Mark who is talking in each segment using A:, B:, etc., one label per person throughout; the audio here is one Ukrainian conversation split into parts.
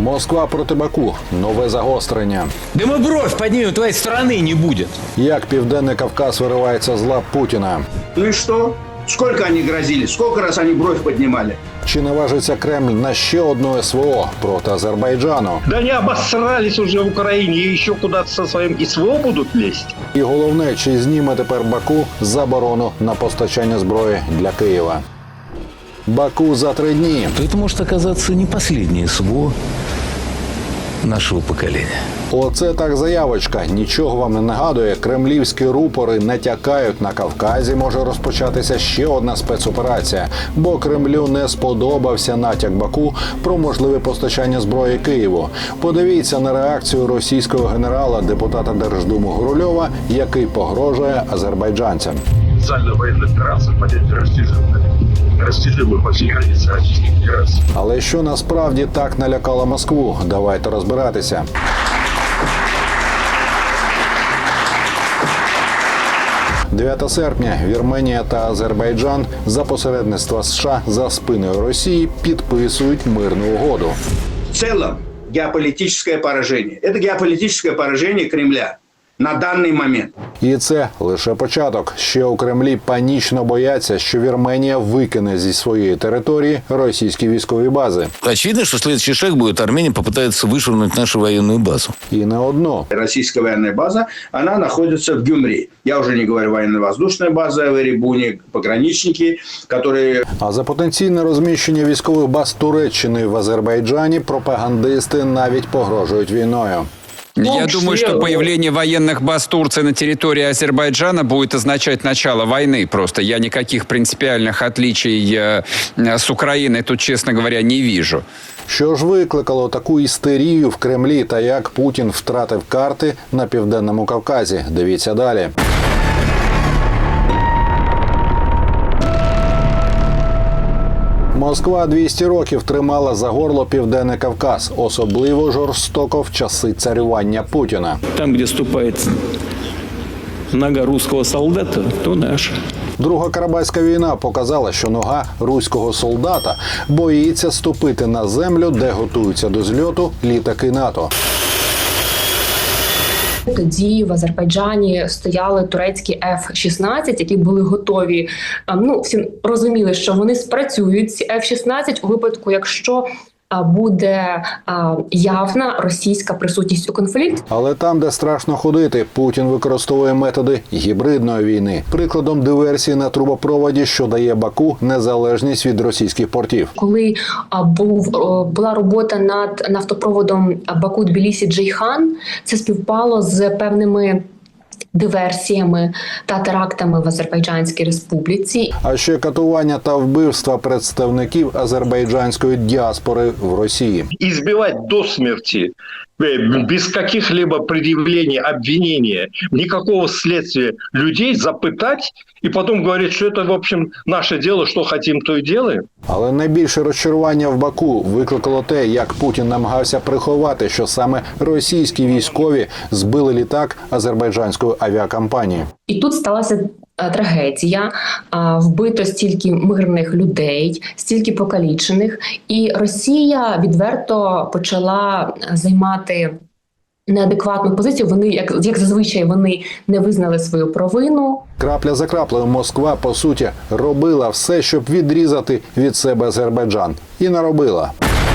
A: Москва проти Баку. Нове загострення.
B: Да мы бровь поднимем, твоей страны не будет.
A: Як Південний Кавказ виривається з лап Путіна.
C: Ну и что? Сколько они грозили? Сколько раз они бровь поднимали?
A: Чи наважиться Кремль на ще одну СВО проти Азербайджану?
D: Да они обосрались уже в Украине и еще куда-то со своим СВО будут лезть.
A: І головне, чи зніме тепер Баку заборону на постачання зброї для Києва. Баку за 3 дні.
B: Это может оказаться не последнее СВО нашего поколения.
A: Оце так заявочка. Нічого вам не нагадує. Кремлівські рупори натякають, на Кавказі може розпочатися ще одна спецоперація. Бо Кремлю не сподобався натяк Баку про можливе постачання зброї Києву. Подивіться на реакцію російського генерала, депутата Держдуму Гурульова, який погрожує азербайджанцям.
E: Специальная военная операция понятие растяжимое по всей границе Российской Федерации.
A: Але що насправді так налякало Москву? Давайте розбиратися. «9 серпня Вірменія та Азербайджан за посередництва США за спиною Росії підписують мирну угоду.
C: В целом геополитическое поражение. Это геополитическое поражение Кремля на данный момент.
A: І це лише початок. Ще у Кремлі панічно бояться, що Вірменія викине зі своєї території російські військові бази.
B: Очевидно, что следующий шаг будет: Армения попытается вышвырнуть нашу военную базу.
A: І не одну.
C: Российская военная база, она находится в Гюмри. Я уже не говорю военно-воздушная база в Эребуне, пограничники, которые...
A: А за потенційне розміщення військових баз Туреччини в Азербайджані пропагандисти навіть погрожують війною.
F: Я думаю, что появление военных баз Турции на территории Азербайджана будет означать начало войны. Просто я никаких принципиальных отличий с Украиной тут, честно говоря, не вижу.
A: Що ж викликало таку істерію в Кремлі та як Путін втратив карти на Південному Кавказі? Дивіться далі. Москва 200 років тримала за горло Південний Кавказ, особливо жорстоко в часи царювання Путіна.
G: Там, где ступает нога русского солдата, то наша.
A: Друга Карабахська війна показала, що нога руського солдата боїться ступити на землю, де готуються до зльоту літаки НАТО.
H: Тоді в Азербайджані стояли турецькі F-16, які були готові. Всі розуміли, що вони спрацюють, ці F-16, у випадку, якщо буде явна російська присутність у конфлікті.
A: Але там, де страшно ходити, Путін використовує методи гібридної війни. Прикладом диверсії на трубопроводі, що дає Баку незалежність від російських портів.
H: Коли була робота над нафтопроводом Баку-Тбілісі-Джейхан, це співпало з певними диверсіями та терактами в Азербайджанській республіці.
A: А ще катування та вбивства представників азербайджанської діаспори в Росії.
D: Избивать до смерти, без каких-либо предъявлений, обвинения, никакого следствия людей, запытать и потом говорить, что это, в общем, наше дело, что хотим, то и делаем.
A: Але найбільше розчарування в Баку викликало те, як Путін намагався приховати, що саме російські військові збили літак азербайджанської авіакомпанії.
H: І тут сталася трагедія, вбито стільки мирних людей, стільки покалічених, і Росія відверто почала займати неадекватну позицію. Вони, як зазвичай, вони не визнали свою провину.
A: Крапля за краплею Москва, по суті, робила все, щоб відрізати від себе Азербайджан. І наробила.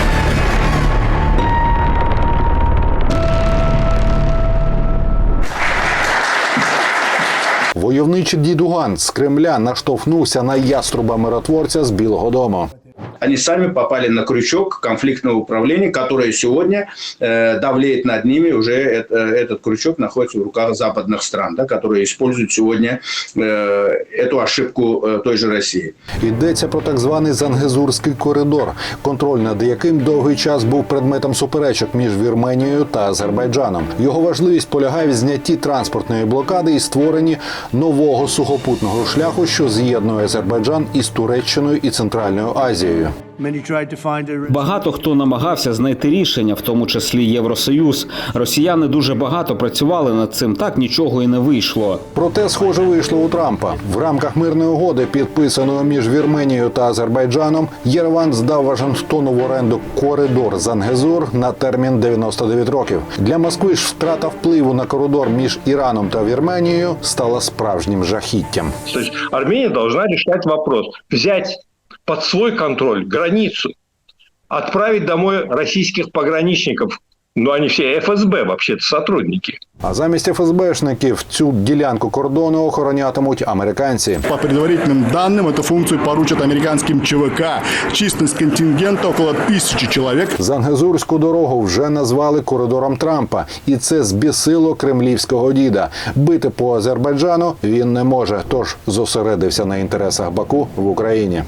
A: Войовничий дідуган з Кремля наштовхнувся на яструба-миротворця з Білого дому.
C: Они сами попали на крючок конфликтного управления, которое сегодня давлеет над ними. Уже этот крючок находится в руках западных стран, да, которые используют сегодня эту ошибку той же России.
A: Йдеться про так званий Зангезурський коридор, контроль над яким довгий час був предметом суперечок між Вірменією та Азербайджаном. Його важливість полягає в знятті транспортної блокади і створенні нового сухопутного шляху, що з'єднує Азербайджан із Туреччиною і Центральною Азією. Росією.
I: Багато хто намагався знайти рішення, в тому числі Євросоюз. Росіяни дуже багато працювали над цим, так нічого і не вийшло.
A: Проте, схоже, вийшло у Трампа. В рамках мирної угоди, підписаної між Вірменією та Азербайджаном, Єреван здав Вашингтону в оренду коридор Зангезур на термін 99 років. Для Москви ж втрата впливу на коридор між Іраном та Вірменією стала справжнім жахіттям.
D: То есть Армения должна решать вопрос. Взять под свой контроль границу, отправить домой российских пограничников. Ну, они все ФСБ, вообще-то, сотрудники.
A: А замість ФСБшників цю ділянку кордону охоронятимуть американці.
J: По предварительным данным, эту функцию поручат американским ЧВК. Численность контингента около 1000 человек.
A: Зангезурську дорогу вже назвали коридором Трампа. І це збісило кремлівського діда. Бити по Азербайджану він не може, тож зосередився на інтересах Баку в Україні.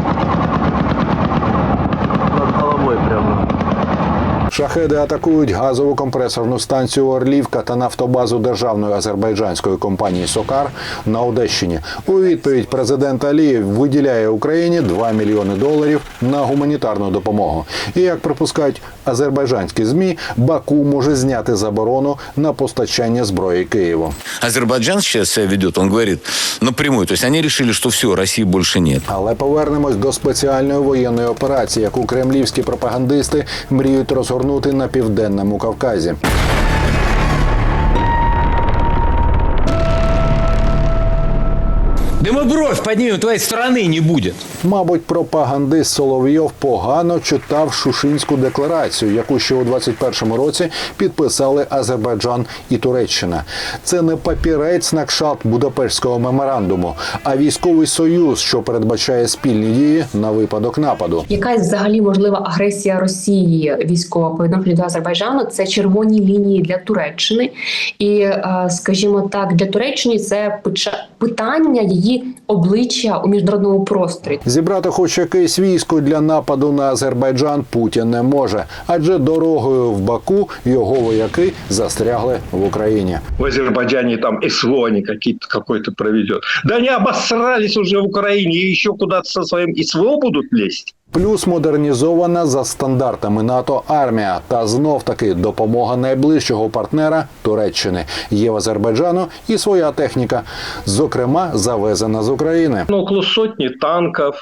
A: Шахеди атакують газову компресорну станцію «Орлівка» та нафтобазу державної азербайджанської компанії «Сокар» на Одещині. У відповідь президент Алієв виділяє Україні $2 мільйони на гуманітарну допомогу. І, як припускають азербайджанські ЗМІ, Баку може зняти заборону на постачання зброї Києву.
B: Азербайджан сейчас себя ведет, он говорит напрямую, то есть они решили, что все, России больше нет.
A: Але повернемось до спеціальної воєнної операції, яку кремлівські пропагандисти мріють розгорнути на Південному Кавказі.
G: Дымобровь поднимем, твоей страны не будет.
A: Мабуть, пропагандист Соловйов погано читав Шушинську декларацію, яку ще у 21-му році підписали Азербайджан і Туреччина. Це не папірець на кшталт Будапештського меморандуму, а військовий союз, що передбачає спільні дії на випадок нападу.
H: Якась взагалі можлива агресія Росії військова по відношенню до Азербайджану – це червоні лінії для Туреччини. І, скажімо так, для Туреччини це питання її обличчя у міжнародному просторі.
A: Зібрати хоч якесь військо для нападу на Азербайджан Путін не може, адже дорогою в Баку його вояки застрягли в Україні.
D: В Азербайджане там СВО они какой-то проведет. Да они обосрались уже в Украине и еще куда-то со своим СВО будут лезть.
A: Плюс модернізована за стандартами НАТО армія та знов-таки допомога найближчого партнера Туреччини. Є в Азербайджану і своя техніка, зокрема завезена з України.
D: Около сотни танков,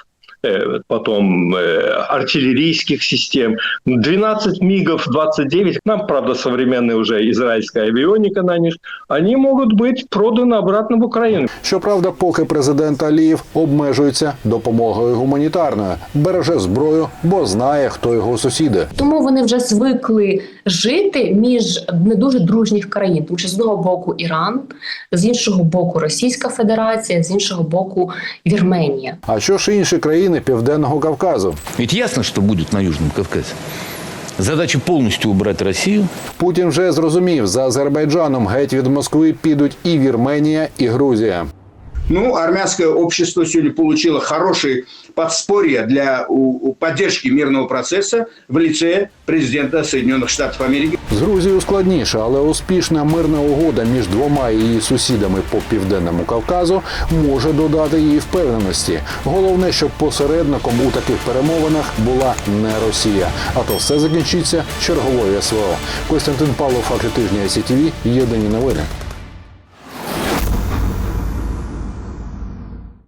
D: потом артиллерийских систем, 12 МиГов, 29. Нам, правда, современная уже израильская авионика на них. Они могут быть проданы обратно в Украину.
A: Щоправда, поки президент Алієв обмежується допомогою гуманітарною. Береже зброю, бо знає, хто його сусіди.
H: Тому вони вже звикли жити між не дуже дружніх країн. Тому що з одного боку Іран, з іншого боку Російська Федерація, з іншого боку Вірменія.
A: А що ж інші країни Південного Кавказу?
B: Ведь ясно, что будет на Южном Кавказе. Задача полностью убрать Россию.
A: Путін вже зрозумів, за Азербайджаном геть від Москви підуть і Вірменія, і Грузія.
C: Ну, армянское общество сегодня получило хорошее подспорье для поддержки мирного процесса в лице президента Соединенных Штатов Америки.
A: З Грузією складніше, але успішна мирна угода між двома її сусідами по Південному Кавказу може додати їй впевненості. Головне, щоб посередником у таких перемовинах була не Росія. А то все закінчиться черговою СВО. Костянтин Павлов, «Факти тижня», СІТВ, єдині новини.